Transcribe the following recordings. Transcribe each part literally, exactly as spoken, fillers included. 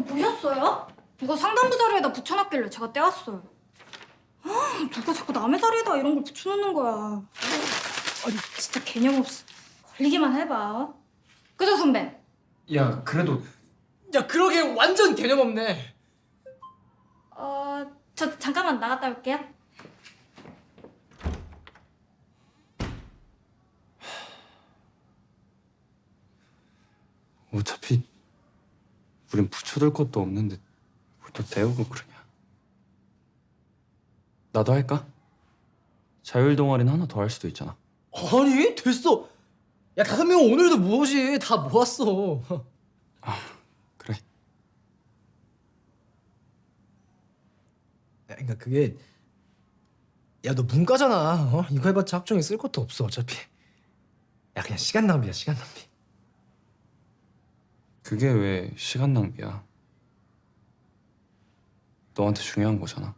이거 보셨어요? 이거 상단부 자리에다 붙여놨길래 제가 떼왔어요. 아, 누가 자꾸 남의 자리에다 이런 걸 붙여놓는 거야. 아니, 진짜 개념 없어. 걸리기만 해봐. 그죠, 선배? 야, 그래도 야, 그러게 완전 개념 없네. 어, 저 잠깐만 나갔다 올게요. 어차피 우린 붙여둘 것도 없는데 뭘 또 데우고 그러냐. 나도 할까? 자율 동아리는 하나 더 할 수도 있잖아. 아니, 됐어. 야, 다섯 명 오늘도 무엇이 다 모았어. 그래. 야, 그러니까 그게 야, 너 문과잖아. 어? 이거 해봤자 학종에 쓸 것도 없어, 어차피. 야, 그냥 시간 낭비야, 시간 낭비. 그게 왜 시간 낭비야? 너한테 중요한 거잖아.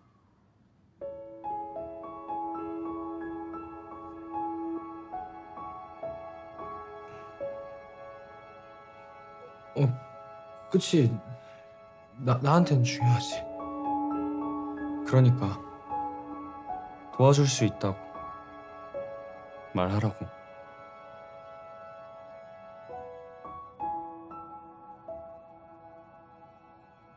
어, 그치. 나, 나한텐 중요하지. 그러니까 도와줄 수 있다고 말하라고.